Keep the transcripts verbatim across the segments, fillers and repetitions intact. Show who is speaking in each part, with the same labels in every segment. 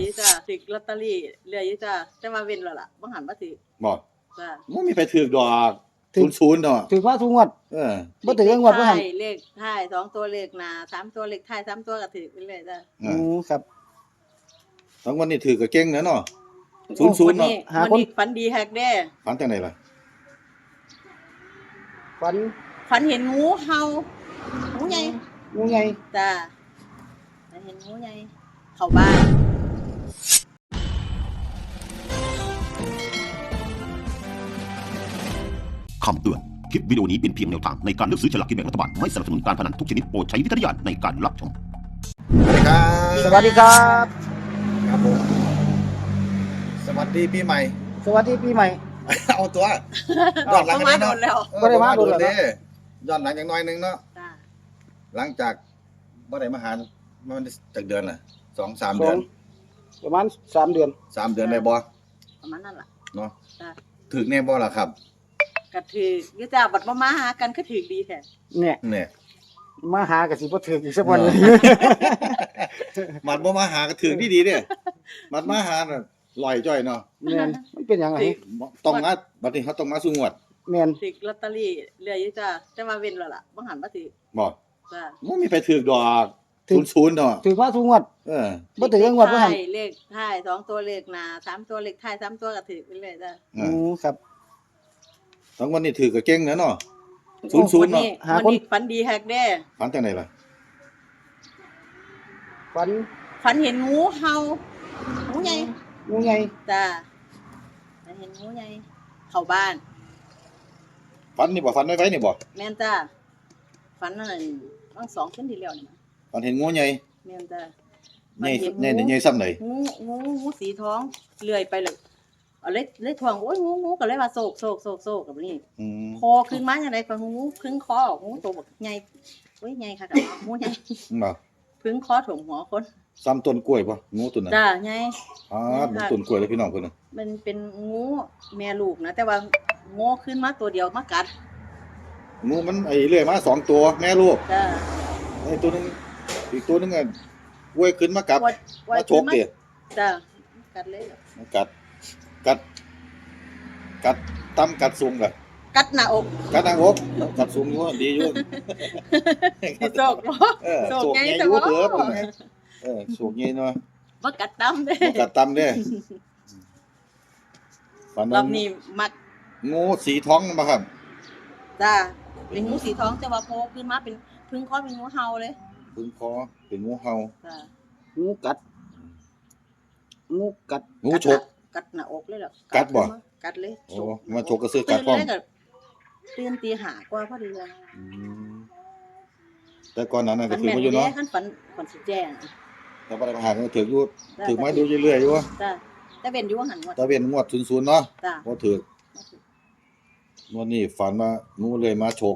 Speaker 1: อยู่จ้าถือลอตเตอรี่เรื่อยอยู่จ้าแต่ว่าเว้นแล้วล่ะบ่หันบ่ถือ
Speaker 2: บ่
Speaker 1: จ้า
Speaker 2: บ่มีไผถูกดอกศูนย์เนาะ
Speaker 3: ถือว่าทุกงวด
Speaker 2: เออ
Speaker 3: บ่ถือจังงวดบ่หัน
Speaker 1: เลขท้ายสองตัวเลขหน้าสามตัวเลขท้ายสามตัวก็ถือไปเรื่อยจ้า
Speaker 3: อือครับ
Speaker 2: ทั้งวันนี้ถือก็เก่งนะเนาะศูนย์เนาะ
Speaker 3: หาคน
Speaker 1: ฝันดีแฮกเด้
Speaker 2: ฝันจังได๋ล่ะ
Speaker 3: ฝัน
Speaker 1: ฝันเห็นงูเห่างูใหญ่
Speaker 3: งูใหญ่
Speaker 1: จ้าฝันเห็นงูใหญ่เข้าบ้าน
Speaker 4: คำเตือนคลิปวิดีโอนี้เป็นเพียงแนวทางในการเลือกซื้อฉลากกินแบ่งรัฐบาลไม่สนับสนุนการพนันทุกชนิดโปรดใช้วิจารณญาณในการรับชม
Speaker 2: สวัสดีครับ
Speaker 3: สวัสดีครับ
Speaker 2: ครับผมสวัสดีปีใหม่
Speaker 3: สวัสดีปีใหม่
Speaker 2: เอาตัวย้อนหลังกันเนาะ
Speaker 3: บ่ได้มาโดนแล้ว
Speaker 2: ย้อนหลังจังน้อยนึงเนาะ
Speaker 1: จ้า
Speaker 2: หลังจากบ่ได้มาหามันจักเดือนน่ะสองสามเดือน
Speaker 3: ประมาณสามเดือน
Speaker 2: สามเดือนได้บ่
Speaker 1: ประมาณนั้นล่ะ
Speaker 2: เนาะ
Speaker 1: จ้า
Speaker 2: ถึกแน่บ่ล่ะครับ
Speaker 1: ก็ถืออยู่จ้าบัดบ่มาหากันก็ถือดีแท้
Speaker 3: เนี่ย
Speaker 2: เนี่ย
Speaker 3: มาหาก็สิบ่ถึกอีกสักวันนึง
Speaker 2: มันบ่มาหาก็ถึกดีๆเด้มันมาหาน่ะลอยจ้อยเนาะ
Speaker 3: แม่นมันเป็นหยังไง
Speaker 2: ต้องมาบัดนี้เฮาต้องมาสู่งวด
Speaker 3: แม่น
Speaker 1: ถือลอตเตอรี่เรื่อยอยู่จ้าแต่ว่าเว้นแล้วล่ะบ่หันบ่ถือ
Speaker 2: บ่
Speaker 1: จ้า
Speaker 2: บ่มีไผถูกดอกศูนย์เนาะ
Speaker 3: ถือว่าทุกงวด
Speaker 2: เออ
Speaker 3: บ่ถือจังงวดบ่หัน
Speaker 1: เลขท้ายสองตัวเลขหน้าสามตัวเลขท้ายสามตัวก็ถือไปเรื่อยจ้า
Speaker 3: อือครับ
Speaker 2: ทั้งวันนี้ถือก็เก่งนะเนาะศูนย์เนาะ
Speaker 1: หาคนฝันดีแฮกเด้
Speaker 2: ฝันจังได๋ล่ะ
Speaker 3: ฝัน
Speaker 1: ฝันเห็นงูเห่างูใหญ่
Speaker 3: งูใหญ่
Speaker 1: จ้าฝันเห็นงูใหญ่เข้าบ้าน
Speaker 2: ฝันนี่บ่ฝันไว้ๆนี่บ่
Speaker 1: แม่นจ้าฝันนั่นตั้งสองคืนที่แล้วนี่
Speaker 2: ฝันเห็นงูใหญ่
Speaker 1: แม่นจ้า
Speaker 2: ใหญ่ใหญ่ใหญ่ซ้ำใด
Speaker 1: งูงูงูสีทองเลื่อยไปเลยเอาเล็กเล็กทองโอ้ยงูงูก็เลยว่าโศกโศกโศกโศกกับนี่
Speaker 2: อืม
Speaker 1: คอขึ้นมาจังได๋ก็งูพึ่งคองูตัวบักใหญ่โอ้ยใหญ่ค่ะงูใหญ่
Speaker 2: บ่
Speaker 1: พึ่งคอถ่วมหัวคน
Speaker 2: ซ้ำต้นกล้วยบ่งูตัวนั้น
Speaker 1: จ้าใหญ่
Speaker 2: อ๋อมันต้นกล้วยเลยพี่น้องเพิ่นน่ะ
Speaker 1: มันเป็นงูแม่ลูกนะแต่ว่างูขึ้นมาตัวเดียวมากัด
Speaker 2: งูมันไอ้เลื่อยมาสองตัวแม่ลูก
Speaker 1: จ้า
Speaker 2: ไอ้ตัวนึงอีกตัวนึงอ่ะกล้วยขึ้นมากัดมาฉกติ
Speaker 1: จ้ากัดเลย
Speaker 2: มันกัดกัดกัดตํกัดสูงกะ
Speaker 1: กัดหน้าอก
Speaker 2: กัดหน้าอกกัดสูงอยู่ดีอยู่
Speaker 1: สิโศกบ่
Speaker 2: เออโศกใหญ่อยู่เด้อเออโศกใหญ่เนาะ
Speaker 1: บ่กัดตํเด้
Speaker 2: บ่กัดตํเด้ฝัน
Speaker 1: รอบนี้มัก
Speaker 2: งูสีทองบ่ครับ
Speaker 1: จ้าเป็นงูสีทองแต่ว่าโผล่ขึ้นมาเป็นพึ่งคอเป็นงูเห่าเลย
Speaker 2: พึ่งคอเป็นงูเห่า
Speaker 1: จ้า
Speaker 3: งูกัดงูกัด
Speaker 2: งูฉก
Speaker 1: กัดหน้าอกเลยเหรอ
Speaker 2: กัดบ่
Speaker 1: กัดเลย
Speaker 2: โอ้มาฉกก็ซื้อกัดพร้อม
Speaker 1: ตื่นตีห้ากว่าพอดีเลย
Speaker 2: อืมแต่ก่อนนั้นน่ะก็ถือมาอยู่เนาะ
Speaker 1: คันฝันฝันสิแจ้ง
Speaker 2: แต่บ่ได้มาหาก็ถืออยู่ถือมาดูเรื่อยๆอยู่
Speaker 1: จ้าแต่เว้นอยู่ว่าหั่นว่า
Speaker 2: แต่เว้นงวดศูนย์ๆเนาะ
Speaker 1: จ้า
Speaker 2: บ่ถือวันนี้ฝันว่างูเลยมาฉก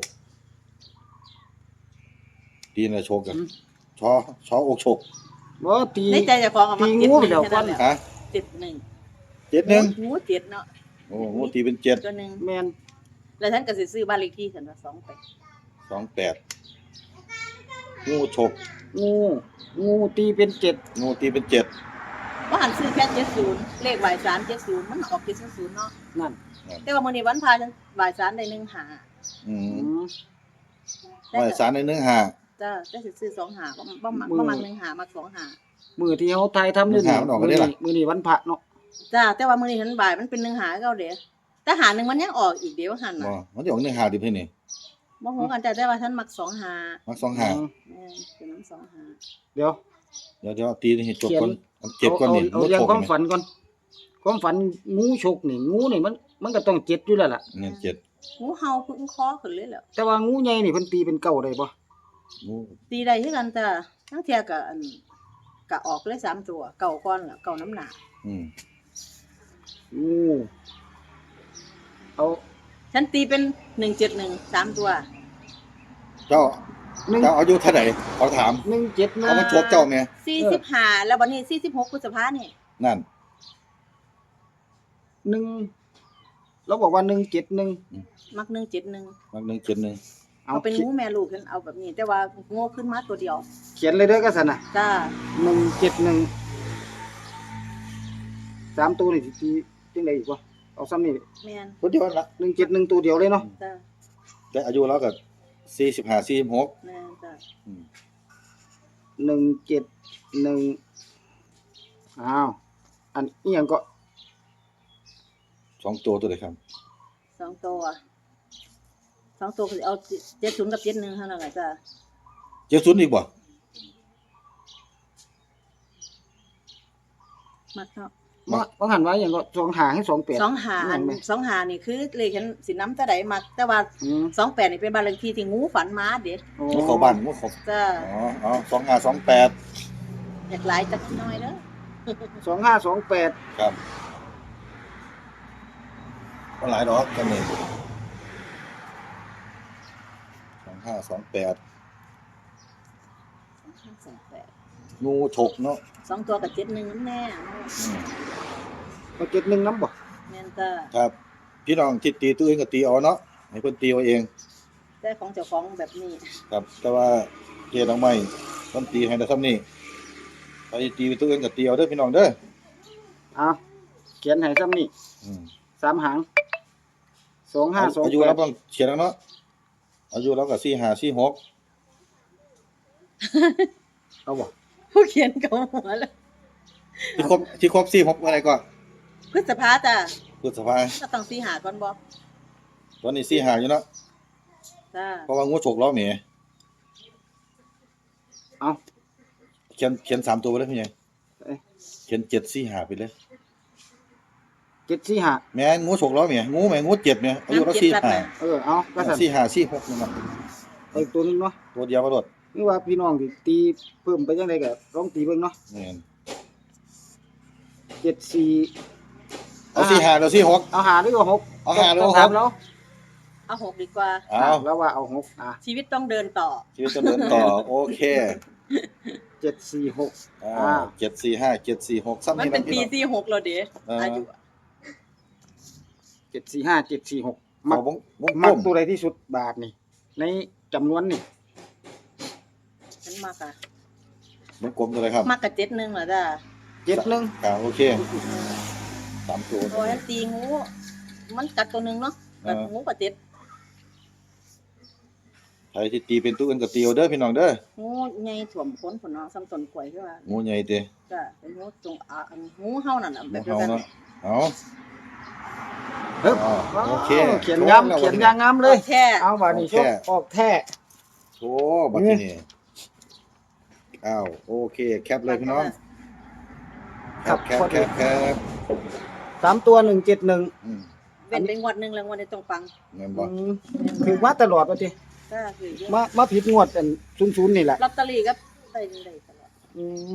Speaker 2: ตีน่ะฉกกันชอชออกฉก
Speaker 3: บ่ตี
Speaker 1: ในใจเจ้าของเอามา
Speaker 3: งูเดี๋ยวก่อน
Speaker 2: ฮะ
Speaker 1: เจ็ดหนึ่ง
Speaker 2: เจ็ดหนึ่ง
Speaker 1: งูเจ็ดเนาะ
Speaker 2: โอ้งูตีเป็นเจ็ด
Speaker 1: ตัวนึง
Speaker 3: แม่น
Speaker 1: แล้วท่านก็สิซื้อบ้านเลขที่ซั่นว่าสองแปด
Speaker 2: สองแปดงูฉก
Speaker 3: งูงูตีเป็นเจ็ด
Speaker 2: งูตีเป็นเจ็ด
Speaker 1: บ่หันซื้อแค่เจ็ดสิบเลขบ่ายสามเจ็ดสิบมันออกเจ็ดสิบเนาะ
Speaker 3: นั่น
Speaker 1: แต่ว่ามื้อนี้วันพาจังบ่ายสามได้หนึ่งหา
Speaker 2: อืมบ่ายสามได้หนึ่งหา
Speaker 1: จ้าแต่สิซื้อสองหาบ่บ่มักบ่มักหนึ่งหามักสองหา
Speaker 3: มื้อที่เฮาถ่ายทำอยู่นี่มื้อนี้มื้อนี้วันพระเนาะ
Speaker 1: จ้าแต่ว่ามื้อนี้หันบ่ายมันเป็นหนึ่งหาเก่าเด้แต่หาหนึ่งมันยังออกอีกเดี๋ยวหั่นน่ะ
Speaker 2: บ่มันสิออกหนึ่งหาดิพี่นี่
Speaker 1: บ่ฮู้กันจ้ะแต่ว่าฉันมักสองหา
Speaker 2: มักสองหา
Speaker 1: แม่นเป็นน้ำสองหา
Speaker 3: เดี๋ยว
Speaker 2: เดี๋ยวๆตีให้จบก่อนเจ็บก่อนนี่
Speaker 3: เอาเรื่องความฝันก่อนความฝันงูฉกนี่งูนี่มันมันก็ต้องเจ็ดอยู่แล้วล่ะ
Speaker 2: เนี่ยเจ็ด
Speaker 1: งูเห่าพึ่งคอขึ้นเลยแล้ว
Speaker 3: แต่ว่างูใหญ่นี่เพิ่นตีเป็นเก้าได้บ่
Speaker 2: งู
Speaker 1: ตีได้คือกันจ้ะทั้งเที่ยก็อันก็ออกเลยสามตัวเก่าก่อนล่ะเก่าน้ำหนา
Speaker 2: อืม
Speaker 3: งูเอา
Speaker 1: ฉันตีเป็นหนึ่งเจ็ดหนึ่ง สามตัว
Speaker 2: เจ้าเจ้าอายุเท่าใดขอถาม
Speaker 3: หนึ่งเจ็ดนะ
Speaker 2: เอามาชกเจ้าแม่
Speaker 1: สี่สิบห้าแล้วบัดนี้สี่สิบหกพฤษภาคมนี่
Speaker 2: นั่น
Speaker 3: หนึ่งเราบอกว่าหนึ่งเจ็ดหนึ่ง
Speaker 1: มักหนึ่งเจ็ดหนึ่ง
Speaker 2: มักหนึ่งเจ็ดหนึ่ง
Speaker 1: เอาเป็นงูแม่ลูกฉันเอาแบบนี้แต่ว่างูขึ้นมาตัวเดียว
Speaker 3: เขียนเลยเด้อก็ซั่นน่ะ
Speaker 1: จ้า
Speaker 3: หนึ่งเจ็ดหนึ่งสามตัวนี่สิตีจังได๋อีกบ่เอาซ้ำนี่
Speaker 1: แม่น
Speaker 2: คนเดียวนั่นละ
Speaker 3: หนึ่งเจ็ดหนึ่งตัวเดียวเลยเนาะ
Speaker 1: จ้ะ
Speaker 2: แต่อายุเราก็สี่สิบห้า สี่สิบหก
Speaker 1: แม่นจ้ะ
Speaker 2: อืม
Speaker 3: หนึ่งเจ็ดหนึ่งอ้าวอันอีหยังก็
Speaker 2: สองตัวตัวเลยครับ
Speaker 1: สองตัวสองตัวก็สิเอาเจ็ดศูนย์กับเจ็ดหนึ่งเท่านั้นแหละจ้ะ
Speaker 2: เจ็ดศูนย์อีกบ่
Speaker 1: มักเนาะ
Speaker 3: บ่บ่หันไว้หยังก็สองหาให้สองแปด
Speaker 1: สองหาอันสองหานี่คือเลขฉันสิน้ำแต่ใดมักแต่ว่า
Speaker 3: อืม
Speaker 1: สองแปดนี่เป็นบ้านเลขที่ที่งูฝันมาเด็ด
Speaker 3: โอ้
Speaker 2: งูเขาบ้านงูเขา
Speaker 1: จ้ะ
Speaker 2: อ๋ออ๋อสองห้าสองแปด
Speaker 1: อยากหลายจักหน้อยเด้อ
Speaker 3: สองห้าสองแปด
Speaker 2: ครับก็หลายดอกกันนี่สองห้าสองแปด
Speaker 1: สองแปด
Speaker 2: งูฉกเนาะ
Speaker 1: สองตัวกับเจ็ดหนึ่งน้ำแน่
Speaker 2: อืม
Speaker 3: ก็เจ็ดหนึ่งน้ำบ่
Speaker 1: แม่นจ้ะ
Speaker 2: ครับพี่น้องที่ตีตัวเองก็ตีเอาเนาะให้เพิ่นตีเอาเอง
Speaker 1: แต่ของเจ้าของแบบนี้
Speaker 2: ครับ แต่ว่าเกียร์น้องใหม่ต้องตีให้ได้ซ้ำนี่ไปตีไปตัวเองก็ตีเอาเด้อพี่น้องเด้อ
Speaker 3: เอาเขียนให้ซ้ำนี่
Speaker 2: อืม
Speaker 3: สามหางสองห้าสอง
Speaker 2: อายุ
Speaker 3: แป
Speaker 2: เรา
Speaker 3: ด
Speaker 2: ต้องเขียนแล้วเนาะอายุเราก็สี่ห้าสี่หก
Speaker 3: เอาบ่
Speaker 1: ผู้เขียนเขาหัวแล้ว
Speaker 2: ที่ครบที่ครบสี่หกอะไรก็
Speaker 1: พฤษภาจ้ะ
Speaker 2: พฤษภา
Speaker 1: ก็ต้องสีหาก่อนบ่
Speaker 2: ตอนนี้สี่ห้าอยู่เนาะ
Speaker 1: จ้ะ
Speaker 2: เพราะว่างูฉกเราแหม
Speaker 3: เอา
Speaker 2: เขียนเขียนสามตัวไปเลยพี่ใหญ่
Speaker 3: เอ้ย
Speaker 2: เขียนเจ็ดสี่ห้าไปเลย
Speaker 3: เจ็ดสี่ห้า
Speaker 2: แม่งูฉกเราแหมงูแหมงูเจ็ดเนี่ยอายุเราสี่ห้า
Speaker 3: เออเอาก็สั่น
Speaker 2: สี่ห้าสี่หกนี่มัน
Speaker 3: เอาอีกตัวหนึงเนาะ
Speaker 2: ตัวเดียวมาโดด
Speaker 3: นี่ว่าพี่น้องสิตีเพิ่มไปจังไดก็ลองตีเบิ่งเนาะ
Speaker 2: แม่น
Speaker 3: เจ็ดสี่
Speaker 2: เอาสี่ห้าเราสี่หก
Speaker 3: เอาหาหรือว่าหก
Speaker 2: เอาหาหรือว่า
Speaker 3: ต้งถม
Speaker 2: หก
Speaker 3: แล้ว
Speaker 1: เอาหกดีกว่า
Speaker 2: เอา
Speaker 3: แล้วว่าเอาหกอ่ะ
Speaker 1: ชีวิตต้องเดินต่อ
Speaker 2: ชีวิตจะเดินต่อโอเค
Speaker 3: เจ็ดสี่หก
Speaker 2: อ่า
Speaker 3: อ่า
Speaker 2: เจ็ดสี่ห้าเจ็ดสี่หกซ้ำ
Speaker 1: มัน
Speaker 2: นี่
Speaker 1: เป็น
Speaker 2: นะ
Speaker 1: ปี
Speaker 2: พี่น้อง
Speaker 1: สี่หกแล้วเด้
Speaker 2: เอออ
Speaker 1: อายุ
Speaker 3: เจ็ดสี่ห้าเจ็ดสี่หก
Speaker 2: มั
Speaker 3: มั
Speaker 2: ก
Speaker 3: ก
Speaker 2: วงวงก
Speaker 3: มั
Speaker 2: ล
Speaker 3: ก
Speaker 2: ม
Speaker 3: ตัวใดที่สุดบาทนี่ ในจำนวนนี่
Speaker 1: ฉันมักอะ
Speaker 2: วงกลมตัวอะไรครับ
Speaker 1: มักกับเจ็ดหนึ่งเหรอจ้ะ
Speaker 3: เจ็ดหนึ่ง
Speaker 2: อ่าโอเคสามตัว
Speaker 1: โอ้ยฉันตีงู มันกัดตัวหนึ่งเนาะกัดงูกับเจ็ด
Speaker 2: ใครที่ตีเป็นตัวอื่นก็ตีเอาเด้อพี่น้องเด้อ
Speaker 1: งูใหญ่ถ่วมพ้นผลเนาะซ้ำต้นกล้วยคือว่า
Speaker 2: งูใหญ่เด้
Speaker 1: จ้ะเป็นงูจงอาอันงูเฮานั่นน่ะแบ
Speaker 2: งู
Speaker 1: บเดีย
Speaker 2: เห่าว
Speaker 1: กัน
Speaker 2: เนาะเอา
Speaker 3: เฮ้ย
Speaker 2: อ๋อโอเค
Speaker 3: เขียนงามเขียนยางงามเลย
Speaker 1: แค่
Speaker 3: เอาบาทนี่ชกออกแท้
Speaker 2: โอ้บัดนี้นี่อ้าวโอเคแคปเลยพี่น้องแคปแคปแคปแคป
Speaker 3: สามตัวหนึ่งเจ็ดหนึ่ง
Speaker 2: อืม
Speaker 1: เป็นเป็นงวดหนึ่งแล้วงวดนี้ต้องฟัง
Speaker 2: เงินบ่
Speaker 3: ถือมาตลอดว่าที
Speaker 1: ก็คือเยอะ
Speaker 3: มามาผิดงวดอันศูนย์ศูนย์นี่แหละ
Speaker 1: ลอตเตอรี่ก็ได้ได้ตลอด
Speaker 3: อืม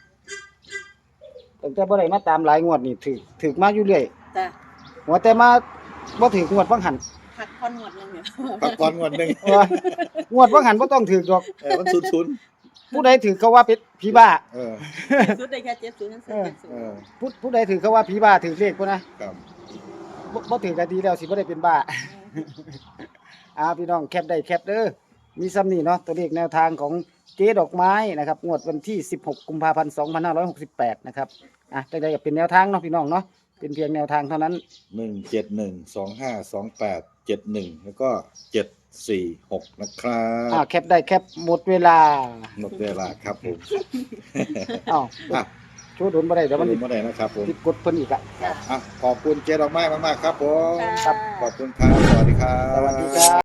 Speaker 3: ตั้งแต่บ่ได้มาตามหลายงวดนี่ถือถือมาอยู่เรื่อย
Speaker 1: จ้ะ
Speaker 3: หัวแต่มาบ่ถืองวดฟังหัน
Speaker 1: พักผ่อนงวดหนึงเนี่ย
Speaker 2: พักก่อนงวดหนึง
Speaker 3: เอองวดฟังหันบ่ต้องถือดอก
Speaker 2: เออมันศูนย์
Speaker 3: ผู้ใดถือเขาว่าเป็นผีบ้า
Speaker 2: ๆเออ
Speaker 1: สุดได้แค่เจ็ดศูนย์นั่นซื้อเจ็ดศูน
Speaker 2: เอ
Speaker 1: ย์
Speaker 2: อ
Speaker 3: ผู้ผู้ใดถือเขาว่าผีบ้าถือเลขพุ่นนะครับ บ่บ่ถือก็ดีแล้วสิบ่ได้เป็นบ้า อ่าพี่น้องแคปได้แคปเด้อมีซ้ำนี่เนาะตัวเลขแนวทางของเจ๊ดอกไม้นะครับงวดวันที่สิบหกกุมภาพันธ์สองพันห้าร้อยหกสิบแปดนะครับอ่ะจังได๋ก็เป็นแนวทางเนาะพี่น้องเนาะเป็นเพียงแนวทางเท่านั้น
Speaker 2: หนึ่งเจ็ดหนึ่งสองห้าสองแปดเจ็ดหนึ่งแล้วก็เจ็ดสี่หกนะครั
Speaker 3: อ่า
Speaker 2: บ
Speaker 3: แคปได้แคปหมดเวลา
Speaker 2: หมดเวลาครับผม
Speaker 3: อ้าว
Speaker 2: อ่ะ
Speaker 3: โชว์โดนบ่ได้เดี๋ยว
Speaker 2: วั
Speaker 3: มัน น
Speaker 2: นี้เมื่อไหร่นะครับผม
Speaker 3: ติดกดเพิ่นอีกอ่ะ
Speaker 2: อ่ะขอบคุณเจ๊ดอกไม้มากๆครับผม
Speaker 1: ครับ
Speaker 2: ขอบคุณครับ สวัสดีครับ
Speaker 3: สวัสดีครับ